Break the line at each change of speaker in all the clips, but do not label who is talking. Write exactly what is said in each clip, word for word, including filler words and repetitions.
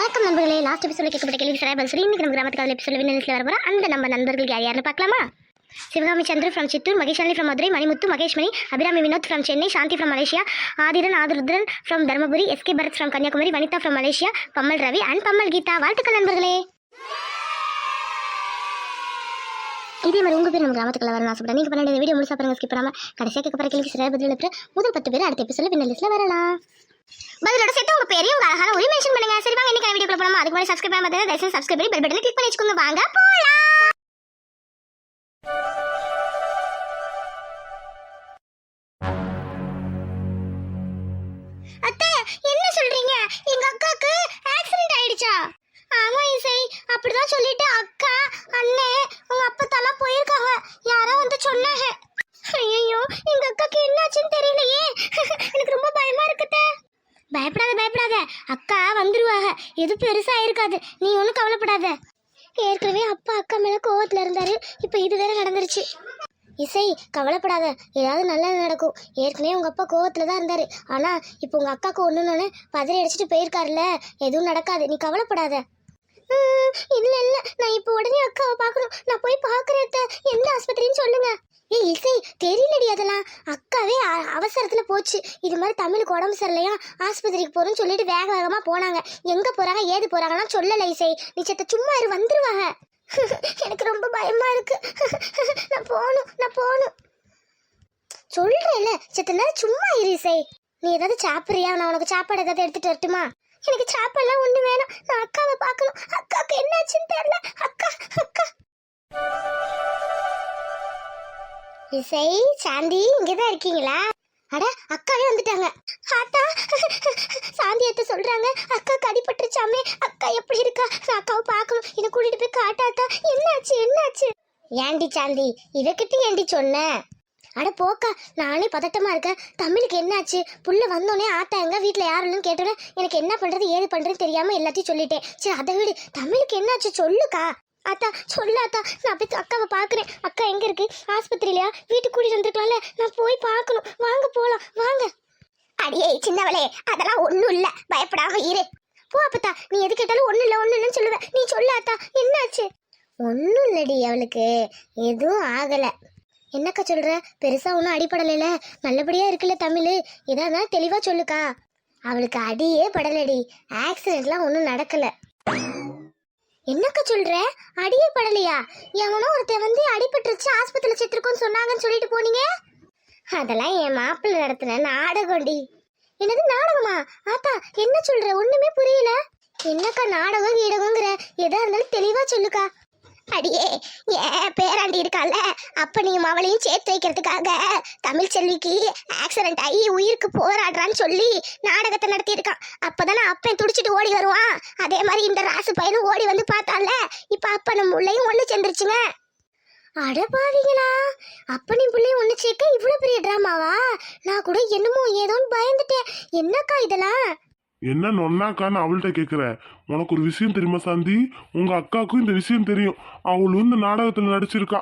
வணக்கம் நண்பர்களே, லாஸ்ட் எபிசோட கேட்கப்பட்ட கேள்வி சரியா பதில் சொல்லி இன்னைக்கு நம்ம கிராமத்துக்கு அதில் எபிசோட விண்ணலிஸ்ல வர போற அந்த நம்ம நண்பர்கள் யார் யாருன்னு பார்க்கலாமா? Sivakami Chandra from Chittoor, Maheshali from Madurai, Manimuthu Maheshmani, Abirami Vinoth from Chennai, Shanthi from Malaysia, Aadhiran Aadhirudhran from Dharmapuri, SK Bharath from Kanyakumari, Vanitha from Malaysia, Pammal Ravi and Pammal Geetha. வாழ்த்துக்கள் நண்பர்களே. இதே மாதிரி உங்க பேர் நம்ம கிராமத்துக்குள்ள வரணும் ஆசைப்பட்டா நீங்க பண்ண வீடியோ முழுசா பாருங்க, ஸ்கிப் பண்ணாம கடைசியாக கேட்க போற கேள்வி சரியா பதில் எழுப்புற முதல் பத்து பேர் அடுத்த எபிசோட விண்ணலிஸ்ல வரலாம். பதிலோட சேர்த்து உங்க பேரையும் உங்க அழகான ஒரு மென்ஷன் பண்ணுங்க. சரி வாங்க இன்னைக்கு வீடியோக்குள்ள போலாமா? அதுக்கு முன்னாடி சப்ஸ்கிரைப் பண்ணாம பார்த்தா தயவுசெய்து சப்ஸ்கிரைப் பண்ணி பெல் பட்டனை கிளிக் பண்ணி வச்சுக்கோங்க. வாங்க போலாம். அத்தை என்ன சொல்றீங்க? எங்க அக்காக்கு ஆக்சிடென்ட் ஆயிடுச்சா? ஆமா இசை, அப்படிதான் சொல்லிட்டு அக்கா அண்ணே உங்க அப்பா தலா போயிருக்காங்க. யாரோ வந்து சொன்னாங்க. ஐயோ எங்க அக்காக்கு என்னாச்சுன்னு தெரியலையே. எனக்கு ரொம்ப பயமா இருக்குதே. பயப்படாத பயப்படாத, அக்கா வந்துருவாங்க. எது பெருசா இருக்காது, நீ ஒன்றும் கவலைப்படாத. ஏற்கனவே அப்பா அக்கா மேல கோவத்துல இருந்தாரு, இப்ப இது வேற நடந்துருச்சு. இசை கவலைப்படாத, ஏதாவது நல்லது நடக்கும். ஏற்கனவே உங்க அப்பா கோவத்துல தான் இருந்தாரு, ஆனா இப்போ உங்க அக்காவுக்கு ஒண்ணுன்னு பதறி அடிச்சுட்டு போயிருக்காருல்ல, எதுவும் நடக்காது, நீ கவலைப்படாத. இல்ல இல்ல, நான் இப்போ உடனே அக்காவை பார்க்கணும். நான் போய் பாக்குறேன். எந்த ஆஸ்பத்திரின்னு சொல்லுங்க. ஏய் இசை தெரியலடி, அதெல்லாம் அக்காவே அவசரத்துல போச்சு. இது மாதிரி தமிழுக்கு உடம்பு சரியில்லையா, ஆஸ்பத்திரிக்கு போறோம்னு சொல்லிட்டு வேக வேகமா போனாங்க. எங்க போறாங்க ஏது போறாங்கன்னா சொல்லல இசை. நீ செத்த சும்மா இரு, வந்துருவாங்க. எனக்கு ரொம்ப பயமா இருக்கு. நான் போகணும் நான் போகணும் சொல்றேன்ல, செத்த நேரம் சும்மா இரு இசை. நீ ஏதாவது சாப்பிடுறியா? நான் உனக்கு சாப்பாடு ஏதாவது எடுத்துட்டு வரட்டுமா? எனக்கு சாப்பாடுலாம் ஒண்ணு வேணும். நான் அக்காவை பார்க்கணும். அக்காவுக்கு என்னாச்சுன்னு தெரியல. அக்கா அக்கா இசை சாந்தி இங்கதான் இருக்கீங்களா? அட அக்காவே வந்துட்டாங்க. ஆத்தா சாந்தி அத்தை சொல்றாங்க அக்காக்கு அடிபட்டுருச்சாமே. அக்கா எப்படி இருக்கா? நான் அக்காவை பார்க்கணும். என்னை கூட்டிட்டு போய் காட்டாத்தா. என்னாச்சு என்னாச்சு? ஏண்டி சாந்தி இவகிட்ட ஏண்டி சொன்ன? அட போக்கா, நானே பதட்டமா இருக்கேன். தமிழுக்கு என்னாச்சு? புள்ள வந்தோடனே ஆத்தா எங்க வீட்டுல யாருன்னு கேட்டோன்னே எனக்கு என்ன பண்றது ஏது பண்றதுன்னு தெரியாம எல்லாத்தையும் சொல்லிட்டேன். சரி அதை விடு, தமிழுக்கு என்னாச்சு சொல்லுக்கா. அத்தா சொல்லாத்தா, நான் போய் அக்காவை பாக்குறேன். அக்கா எங்க இருக்கு? ஆஸ்பத்திரியிலயா? வீட்டுக்கு கூட்டிட்டு வந்துருக்கலாம்ல, நான் போய் பார்க்கணும். வாங்க போலாம் வாங்க. அடியே சின்னவளே, அதெல்லாம் ஒண்ணும் இல்ல, பயப்படாம இரு. போ அப்பத்தா, நீ எது கேட்டாலும் ஒண்ணு இல்ல ஒண்ணு இல்லன்னு சொல்லுவேன். நீ சொல்லாத்தா என்னாச்சு? ஒன்னும் இல்லடி, அவளுக்கு எதுவும் ஆகல. என்னக்கா சொல்ற? பெருசா ஒன்றும் அடிப்படலைல, நல்லபடியா இருக்குல்ல தமிழ். எதா இருந்தாலும் தெளிவா சொல்லுக்கா. அவளுக்கு அடியே படலடி, ஆக்சிடென்ட்லாம் ஒன்றும் நடக்கல. என்னக்கா சொல்ற? அடியே படலையா? எவனோ ஒருத்தர் வந்து அடிபட்டுருச்சு ஆஸ்பத்திரியில செத்துருக்கோன்னு சொன்னாங்கன்னு சொல்லிட்டு போனீங்க. அதெல்லாம் என் மாப்பிள்ளை நடத்தின நாடகம்டி. என்னது நாடகமா? ஆத்தா என்ன சொல்ற? ஒண்ணுமே புரியல. என்னக்கா நாடகம் கீடகங்கிற? எதா இருந்தாலும் தெளிவா சொல்லுக்கா. அடியே ஏன் பேராண்டி இருக்கால, அப்பனையும் அவளையும் சேர்த்து வைக்கிறதுக்காக தமிழ் செல்விக்கு ஆக்சிடென்ட் ஆகி உயிருக்கு போராடுறான்னு சொல்லி நாடகத்தை நடத்தி இருக்கான். அப்பதானே அப்பன் துடிச்சிட்டு ஓடி வருவான். அதே மாதிரி இந்த ராசு பையனும் ஓடி வந்து பார்த்தால, இப்ப அப்பனும் பிள்ளையும் ஒண்ணு சேர்ந்துருச்சுங்க. அடபாவீங்களா, அப்பனையும் பிள்ளையும் ஒண்ணு சேர்க்க இவ்வளவு பெரிய டிராமாவா? நான் கூட என்னமோ ஏதோன்னு பயந்துட்டேன். என்னக்கா இதெல்லாம்?
என்ன நொன்னாக்கான்னு அவள்கிட்ட கேட்குற? உனக்கு ஒரு விஷயம் தெரியுமா சாந்தி? உங்க அக்காவுக்கும் இந்த விஷயம் தெரியும். அவளும் இந்த நாடகத்துல நடிச்சிருக்கா.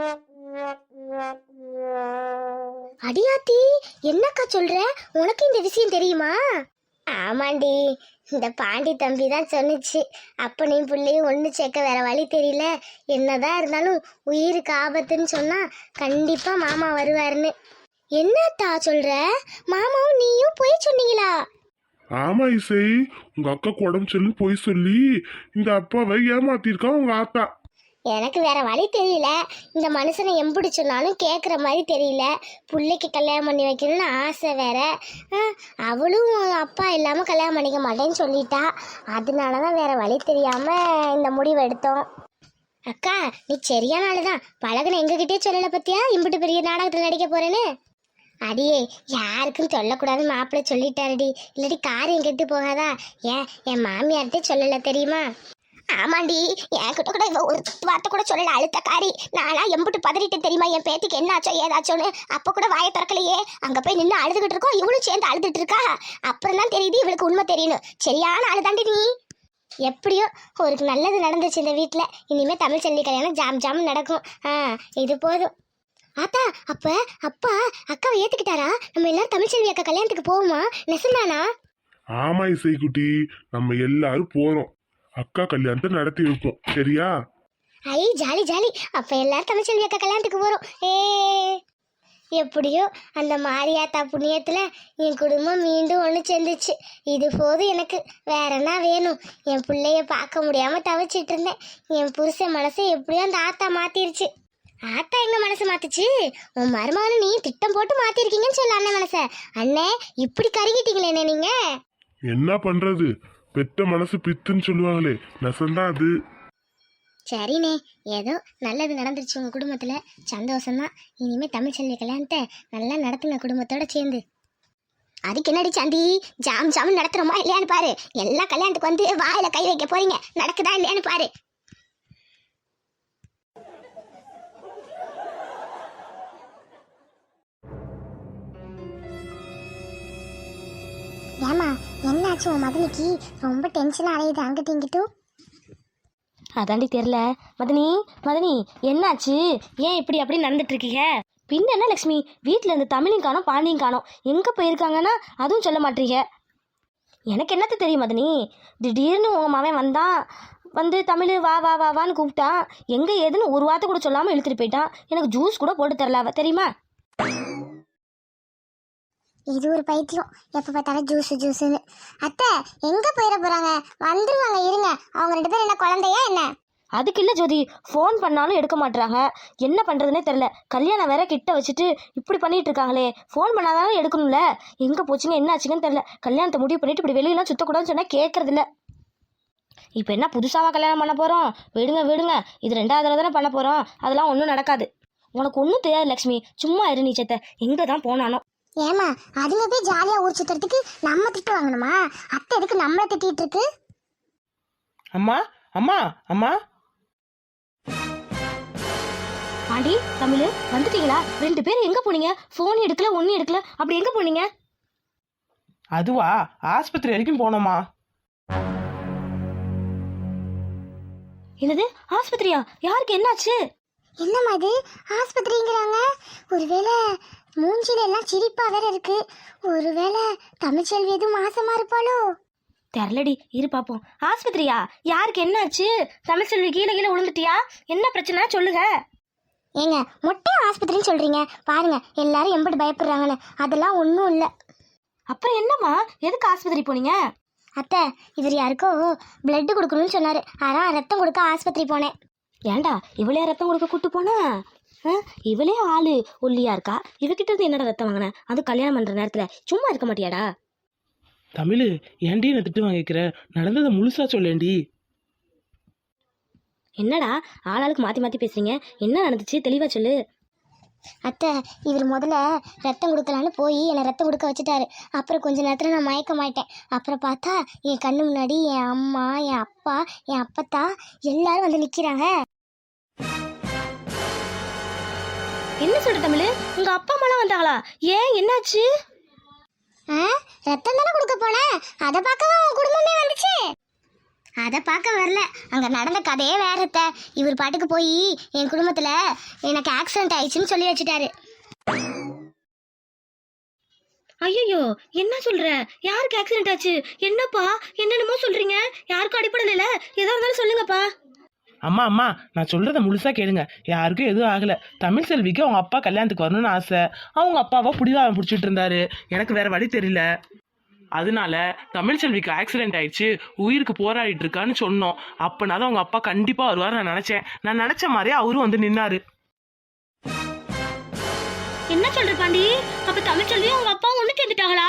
அடியாத்தி என்னக்கா சொல்ற? உனக்கு இந்த விஷயம் தெரியுமா? ஆமாண்டி, இந்த பாண்டி தம்பி தான் சொன்னிச்சு. அப்பனையும் பிள்ளையும் ஒன்று சேர்க்க வேற வழி தெரியல, என்னதான் இருந்தாலும் உயிருக்கு ஆபத்துன்னு சொன்னா கண்டிப்பா மாமா வருவாருன்னு. என்னத்தா சொல்ற? மாமாவும் நீயும் போய் சொன்னீங்களா?
ஆமா இசை, உங்க அக்காக்கு உடம்பு சரியில்லைன்னு போய் சொல்லி இந்த அப்பாவை ஏமாத்திருக்கா உங்க ஆத்தா.
எனக்கு வேற வழி தெரியல. இந்த மனுஷனை எம்பிடி சொன்னாலும் கேட்குற மாதிரி தெரியல. பிள்ளைக்கு கல்யாணம் பண்ணி வைக்கணும்னு ஆசை வேற. அவளும் அப்பா இல்லாமல் கல்யாணம் பண்ணிக்க மாட்டேன்னு சொல்லிட்டா. அதனால தான் வேற வழி தெரியாம இந்த முடிவு எடுத்தோம். அக்கா நீ சரியான ஆளுதான். பழகுன எங்ககிட்டே சொல்லலை பத்தியா இம்பிட்டு பெரிய நாடகத்தில் நடிக்க போறேன்னு. அடியே யாருக்கும் சொல்லக்கூடாது மாப்பிள்ளை சொல்லிட்டாருடி, இல்லாட்டி காரியம் கெட்டு போகாதா? ஏன் என் மாமியார்கிட்ட சொல்லல தெரியுமா? ஆமாண்டி, என்கிட்ட கூட இவ ஒரு வார்த்தை கூட சொல்லல, அழுத்த காரி. நானா எம்பிட்டு பதறிட்டு தெரியுமா என் பேத்திக்கு என்னாச்சோ ஏதாச்சோன்னு. அப்ப கூட வாயை திறக்கலையே, அங்க போய் நின்று அழுதுகிட்டு இருக்கோம். இவளும் சேர்ந்து அழுதுட்டு இருக்கா. அப்புறம் தான் தெரியுது இவளுக்கு உண்மை தெரியணும். சரியான அழுதாண்டி நீ. எப்படியோ ஒரு நல்லது நடந்துச்சு இந்த வீட்டுல. இனிமே தமிழ் செல்வி கல்யாணம் ஜாம் ஜாம் நடக்கும். ஆஹ் இது போதும். ஆத்தா அப்ப அப்பா அக்காவை ஏத்துக்கிட்டாரா? நம்ம எல்லாரும் தமிழ் செல்வி அக்கா கல்யாணத்துக்கு போவோமா? நெசந்தானா?
ஆமா இசைக்குட்டி, நம்ம எல்லாரும் போறோம். அக்கா கல்யாணத்தை நடத்தி வைப்போம், சரியா?
ஐ ஜாலி ஜாலி. அப்ப எல்லாரும் தமிழ்ச்செல்வி அக்கா கல்யாணத்துக்கு போறோம். ஏ எப்படியோ அந்த மாரியாத்தா புண்ணியத்துல என் குடும்பம் மீண்டும் ஒன்று சேர்ந்துச்சு. இது போதும் எனக்கு. வேற என்ன வேணும்? என் பிள்ளைய பார்க்க முடியாம தவிச்சிட்டு இருந்தேன். என் புருஷன் மனசை எப்படியோ அந்த ஆத்தா மாத்திருச்சு. ஆத்தா எங்க மனசு மாத்துச்சு? உன் மருமகனை நீ திட்டம் போட்டு மாத்திருக்கீங்கன்னு சொல்ல அண்ணன் மனச. அண்ணே இப்படி கருகிட்டீங்களே நீங்க.
என்ன பண்றது, பெத்த மனசு பித்துன்னு சொல்லுவாங்களே, நெசந்தான் அது.
சரிண்ணே, ஏதோ நல்லது நடந்துருச்சு உங்க குடும்பத்துல. சந்தோஷம்தான். இனிமே தமிழ்ச்செல்வி கல்யாணத்தை நல்லா நடத்துங்க குடும்பத்தோட சேர்ந்து. அதுக்கு என்னடி சாந்தி, ஜாம் ஜாம் நடத்துறோமா இல்லையான்னு பாரு. எல்லா கல்யாணத்துக்கு வந்து வாயில கை வைக்க போறீங்க, நடக்குதா இல்லையான்னு பாரு. ஏமா என்னாச்சு உன் மகனுக்கு? ரொம்ப டென்ஷன் அடையுது அங்கிட்டு இங்கிட்டும்.
அதாண்டி தெரில. மதனி மதனி என்னாச்சு? ஏன் இப்படி அப்படி நடந்துட்டு இருக்கீங்க? பின்ன என்ன லக்ஷ்மி, வீட்டில் இருந்து தமிழையும் காணோம் பாண்டியும் காணோம். எங்கே போயிருக்காங்கன்னா அதுவும் சொல்ல மாட்டீங்க. எனக்கு என்னத்த தெரியும் மதனி? திடீர்னு உன் மவன் வந்தான், வந்து தமிழ் வா வா வா வான்னு கூப்பிட்டான். எங்கே ஏதுன்னு ஒரு வார்த்தை கூட சொல்லாமல் இழுத்துட்டு போயிட்டான். எனக்கு ஜூஸ் கூட போட்டு தரல அவ, தெரியுமா?
இது ஒரு பைத்தியம், எப்போ பார்த்தாலும் ஜூஸ் ஜூஸுன்னு. அத்தை எங்கே போயிட போகிறாங்க? வந்துருவாங்க, இருங்க. அவங்க ரெண்டு பேரும் என்ன குழந்தையா என்ன?
அதுக்கு இல்லை ஜோதி, ஃபோன் பண்ணாலும் எடுக்க மாட்டுறாங்க. என்ன பண்ணுறதுனே தெரில. கல்யாணம் வேற கிட்ட வச்சுட்டு இப்படி பண்ணிட்டு இருக்காங்களே. ஃபோன் பண்ணாதானே எடுக்கணும்ல. எங்கே போச்சுங்க என்ன ஆச்சுங்கன்னு தெரில. கல்யாணத்தை முடிவு பண்ணிட்டு இப்படி வெளியெல்லாம் சுற்றக்கூடாதுன்னு சொன்னால் கேட்கறதில்ல. இப்போ என்ன புதுசாக கல்யாணம் பண்ண போகிறோம்? விடுங்க விடுங்க, இது ரெண்டாவது தடவை தானே பண்ண போகிறோம். அதெல்லாம் ஒன்றும் நடக்காது. உனக்கு ஒன்றும் தெரியாது லக்ஷ்மி, சும்மா இரு நீச்சத்தை. எங்கே தான் போனானோ.
ஏமா அதுங்க போய் ஜாலியாக ஊர் சுற்றுறதுக்கு நம்ம திட்டு வாங்கணுமா? அத்தை எதுக்கு நம்மளை திட்டிகிட்டு இருக்கு?
அம்மா அம்மா அம்மா.
பாண்டி தமிழ் வந்துட்டீங்களா? ரெண்டு பேரும் எங்கே போனீங்க? ஃபோன் எடுக்கல, ஒன்றும் எடுக்கல. அப்படி எங்கே போனீங்க?
அதுவா, ஆஸ்பத்திரி வரைக்கும் போனோமா.
என்னது ஆஸ்பத்திரியா? யாருக்கு என்னாச்சு?
என்னம்மா இது ஆஸ்பத்திரிங்கிறாங்க? ஒருவேளை மூஞ்சில எல்லாம் சிரிப்பா வேற இருக்கு. ஒருவேளை தமிழ்ச்செல்வி எதுவும் மாசமா இருப்பாளோ?
தெரிலடி, இரு பாப்போம். ஆஸ்பத்திரியா? யாருக்கு என்னாச்சு? தமிழ்ச்செல்வி கீழே கீழே விழுந்துட்டியா? என்ன பிரச்சனை சொல்லுங்க.
ஏங்க மொட்டை ஆஸ்பத்திரின்னு சொல்றீங்க பாருங்க, எல்லாரும் எம்பிட்டு பயப்படுறாங்கன்னு. அதெல்லாம் ஒன்றும் இல்லை.
அப்புறம் என்னம்மா, எதுக்கு ஆஸ்பத்திரி போனீங்க?
அத்தை இவர் யாருக்கோ பிளட் கொடுக்கணும்னு சொன்னாரு, அதான் ரத்தம் கொடுக்க ஆஸ்பத்திரி போனேன்.
ஏண்டா இவளே ரத்தம் கொடுக்க கூட்டு போனா? இவளே ஆளு ஒல்லியா இருக்கா, இவகிட்ட இருந்து என்னடா ரத்தம் வாங்கின? அது கல்யாணம் பண்ற நேரத்துல சும்மா இருக்க மாட்டியாடா?
தமிழ் ஏன்டி என்ன திட்டு வாங்கிக்கிற? நடந்ததை முழுசா சொல்லேண்டி.
என்னடா ஆளாளுக்கு மாத்தி மாத்தி பேசுறீங்க? என்ன நடந்துச்சு தெளிவா சொல்லு.
அத்தை இவர் முதல்ல ரத்தம் கொடுக்கலான்னு போய் என்னை ரத்தம் கொடுக்க வச்சுட்டாரு. அப்புறம் கொஞ்ச நேரத்தில் நான் மயக்க மாட்டேன். அப்புறம் பார்த்தா என் கண்ணு முன்னாடி என் அம்மா, என் அப்பா, என் அப்பத்தா எல்லாரும் வந்து நிற்கிறாங்க.
என்ன சொல்ற தமிழ்? உங்க அப்பா அம்மாலாம் வந்தாங்களா? ஏன் என்னாச்சு?
ஆ ரத்தம் தானே கொடுக்க போனேன், அதை பார்க்கவா உன் குடும்பமே வந்துச்சு? அதை பார்க்க வரல, அங்கே நடந்த கதையே வேறத்த. இவர் பாட்டுக்கு போய் என் குடும்பத்தில் எனக்கு ஆக்சிடென்ட் ஆயிடுச்சுன்னு சொல்லி வச்சுட்டாரு.
ஐயோ என்ன சொல்ற? யாருக்கு ஆக்சிடென்ட் ஆச்சு? என்னப்பா என்னென்னமோ சொல்றீங்க? யாருக்கும் அடிப்படல? ஏதோ இருந்தாலும் சொல்லுங்கப்பா.
அம்மா அம்மா, நான் சொல்றத முழுசா கேளுங்க. யாருக்கும் எதுவும் ஆகல. தமிழ் செல்விக்கு அவங்க அப்பா கல்யாணத்துக்கு வரணும்னு ஆசை. அவங்க அப்பாவை புடிதான் பிடிச்சிட்டு இருந்தாரு. எனக்கு வேற வழி தெரியல. அதனால தமிழ் செல்விக்கு ஆக்சிடென்ட் ஆயிடுச்சு, உயிருக்கு போராடிட்டு இருக்கான்னு சொன்னோம். அப்பனாதான் அவங்க அப்பா கண்டிப்பா வருவார் நான் நினைச்சேன். நான் நினைச்ச மாதிரியே அவரும் வந்து நின்னாரு.
என்ன சொல்ற பாண்டி? அப்ப தமிழ்ச்செல்வி உங்க அப்பா ஒண்ணு சேர்ந்துட்டாங்களா?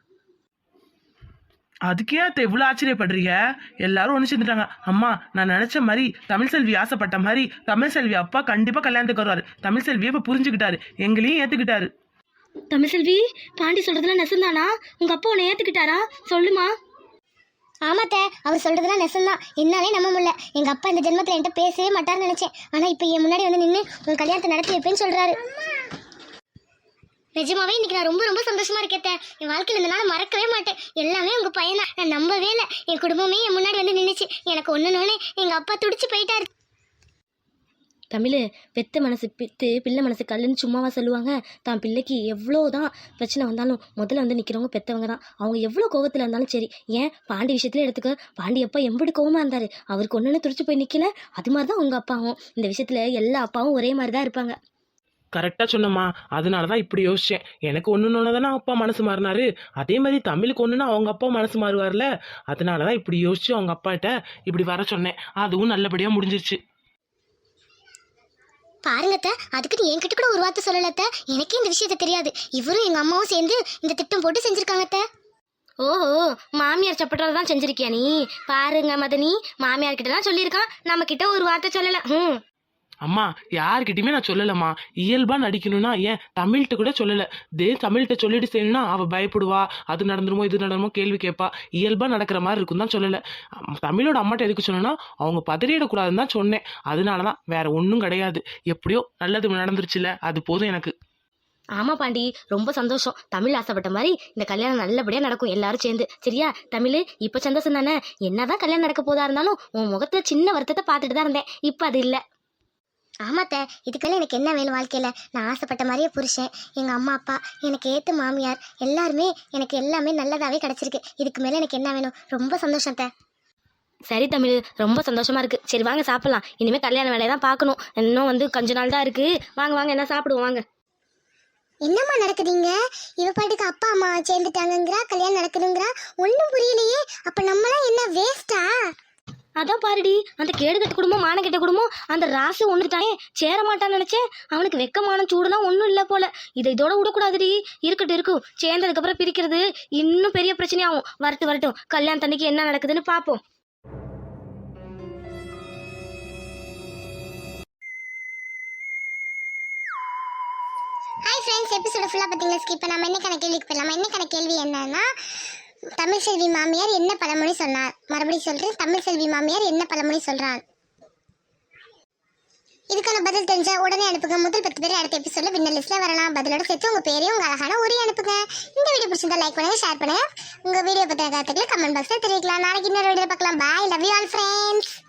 அதுக்கே அத்தை இவ்வளவு ஆச்சரியப்படுறீங்க? எல்லாரும் ஒண்ணு சேர்ந்துட்டாங்க. அம்மா, நான் நினைச்ச மாதிரி தமிழ் செல்வி ஆசைப்பட்ட மாதிரி தமிழ் செல்வி அப்பா கண்டிப்பா கல்யாணத்துக்கு வருவாரு. தமிழ் செல்வியை இப்ப புரிஞ்சுக்கிட்டாரு, எங்களையும் ஏத்துக்கிட்டாரு.
தமிழ்செல்வி, பாண்டி சொல்றதுலாம் நெசந்தானா? உங்க அப்பா உன்னை ஏத்துக்கிட்டாரா? சொல்லுமா.
ஆமாத்த, அவர் சொல்றதுலாம் நெசந்தான். என்னாலே நம்ப முடியல. எங்க அப்பா இந்த ஜென்மத்தில் என்கிட்ட பேசவே மாட்டார்னு நினைச்சேன். ஆனா இப்போ என் முன்னாடி வந்து நின்று உன் கல்யாணத்தை நடத்தி வைப்பேன்னு சொல்றாரு. நிஜமாவே இன்னைக்கு நான் ரொம்ப ரொம்ப சந்தோஷமா இருக்கேன். என் வாழ்க்கையில் இந்த நாள் மறக்கவே மாட்டேன். எல்லாமே உங்க பையனா, நான் நம்பவே இல்லை. என் குடும்பமே என் முன்னாடி வந்து நின்றுச்சு. எனக்கு ஒண்ணுன்னு எங்க அப்பா துடிச்சு போயிட்டாரு.
தமிழ் பெத்த மனசு பித்து பிள்ளை மனசு கல்லுன்னு சும்மாவா சொல்லுவாங்க. தான் பிள்ளைக்கு எவ்வளோ தான் பிரச்சனை வந்தாலும் முதல்ல வந்து நிற்கிறவங்க பெற்றவங்க தான். அவங்க எவ்வளோ கோவத்தில் இருந்தாலும் சரி. ஏன் பாண்டி விஷயத்துல எடுத்துக்க, பாண்டி அப்பா எம்பிட்டு கோவமாக இருந்தார், அவருக்கு ஒன்றுன்னு துடிச்சு போய் நிற்கல. அது மாதிரி தான் உங்கள் அப்பாவும். இந்த விஷயத்தில் எல்லா அப்பாவும் ஒரே மாதிரி தான் இருப்பாங்க.
கரெக்டாக சொன்னம்மா. அதனால தான் இப்படி யோசித்தேன். எனக்கு ஒன்றுன்னு தானே அப்பா மனசு மாறினாரு, அதே மாதிரி தமிழுக்கு ஒன்றுனா அவங்க அப்பா மனசு மாறுவார்ல. அதனால தான் இப்படி யோசிச்சு அவங்க அப்பாட்ட இப்படி வர சொன்னேன். அதுவும் நல்லபடியாக முடிஞ்சிருச்சு.
பாருங்கத்த, அதுக்குன்னு என்கிட்ட கூட ஒரு வார்த்தை சொல்லலத்த. எனக்கே இந்த விஷயத்த தெரியாது. இவரும் எங்க அம்மாவும் சேர்ந்து இந்த திட்டம் போட்டு செஞ்சிருக்காங்கத்த.
ஓஹோ, மாமியார் சப்பட்டதை தான் செஞ்சிருக்கியா நீ? பாருங்க மதனி, மாமியார் கிட்ட தான் சொல்லியிருக்கான், நம்ம கிட்ட ஒரு வார்த்தை சொல்லலை. ம்
அம்மா யார்கிட்டயுமே நான் சொல்லலம்மா. இயல்பா நடிக்கணும்னா ஏன் தமிழ்கிட்ட கூட சொல்லல. தே தமிழ்கிட்ட சொல்லிட்டு செய்யணும்னா அவ பயப்படுவா, அது நடந்துருமோ இது நடந்துமோ கேள்வி கேட்பா. இயல்பா நடக்கிற மாதிரி இருக்கும் தான் சொல்லல. தமிழோட அம்மாட்ட எதுக்கு சொன்னா அவங்க பதறிடக்கூடாதுன்னு தான் சொன்னேன். அதனாலதான், வேற ஒன்றும் கிடையாது. எப்படியோ நல்லது நடந்துருச்சுல, அது போதும் எனக்கு.
ஆமா பாண்டி, ரொம்ப சந்தோஷம். தமிழ் ஆசைப்பட்ட மாதிரி இந்த கல்யாணம் நல்லபடியா நடக்கும் எல்லாரும் சேர்ந்து. சரியா தமிழ்? இப்ப சந்தோஷம் தானே? என்னதான் கல்யாணம் நடக்க போதா இருந்தாலும் உன் முகத்துல சின்ன வருத்தத்தை பார்த்துட்டு தான் இருந்தேன். இப்ப அது இல்லை.
ஆமாத்த, இதுக்கெல்லாம் எனக்கு என்ன வேணும் வாழ்க்கையில? நான் ஆசைப்பட்ட மாதிரியே புருஷன், எங்க அம்மா அப்பா, எனக்கு ஏத்த மாமியார், எல்லாருமே எனக்கு எல்லாமே நல்லதாவே கிடைச்சிருக்கு. இதுக்கு மேல எனக்கு என்ன வேணும்? ரொம்ப சந்தோஷத்த.
சரி தமிழ், ரொம்ப சந்தோஷமா இருக்கு. சரி வாங்க சாப்பிடலாம். இனிமே கல்யாண வேலையை தான் பார்க்கணும். இன்னும் வந்து கொஞ்ச நாள் தான் இருக்கு. வாங்க வாங்க, என்ன சாப்பிடுவோம் வாங்க.
என்னம்மா நடக்குதுங்க? இவ பாட்டுக்கு அப்பா அம்மா சேர்ந்துட்டாங்கங்கிறா, கல்யாணம் நடக்குதுங்கிறா. ஒன்றும் புரியலையே. அப்ப நம்மளாம் என்ன வேஸ்டா?
அதான் பாருடி, அந்த கேடுகட்ட குடும்பம் மானகெட்ட குடும்பம் அந்த ராசு ஒன்றுட்டானே சேர மாட்டான்னு நினைச்சேன். அவனுக்கு வெக்கமான சூடுலாம் ஒன்றும் இல்லை போல. இதை இதோட விடக்கூடாதுடி. இருக்கட்டும் இருக்கும், சேர்ந்ததுக்கு அப்புறம் பிரிக்கிறது இன்னும் பெரிய பிரச்சனையாகும். வரட்டும் வரட்டும், கல்யாணத்தன்னைக்கு என்ன நடக்குதுன்னு பார்ப்போம்.
ஹாய் ஃப்ரெண்ட்ஸ், எபிசோட ஃபுல்லாக பார்த்தீங்களா? ஸ்கிப் பண்ணாமல் என்னக்கான கேள்விக்கு போயிடலாமா? என்னக்கான கேள்வி என்னன்னா, தமிழ் செல்வி மாமியார் என்ன பழமொழி சொன்னார்? மறுபடியும் சொல்றேன், தமிழ் செல்வி மாமியார் என்ன பழமொழி சொல்றார்? இதுக்கான பதில் தெரிஞ்சா உடனே அனுப்புங்க. முதல் பத்து பேர் அடுத்த எபிசோட்ல வின்னர் லிஸ்ட்ல வரலாம். பதிலோட சேர்த்து உங்க பேரையும் உங்க அழகான உரையை அனுப்புங்க. இந்த வீடியோ பிடிச்சிருந்தா லைக் பண்ணுங்க, ஷேர் பண்ணுங்க. உங்க வீடியோ பத்தின கருத்துக்களை கமெண்ட் பாக்ஸ்ல தெரிவிக்கலாம். நாளைக்கு இன்னொரு வீடியோ பார்க்கலாம். Bye, love you all friends.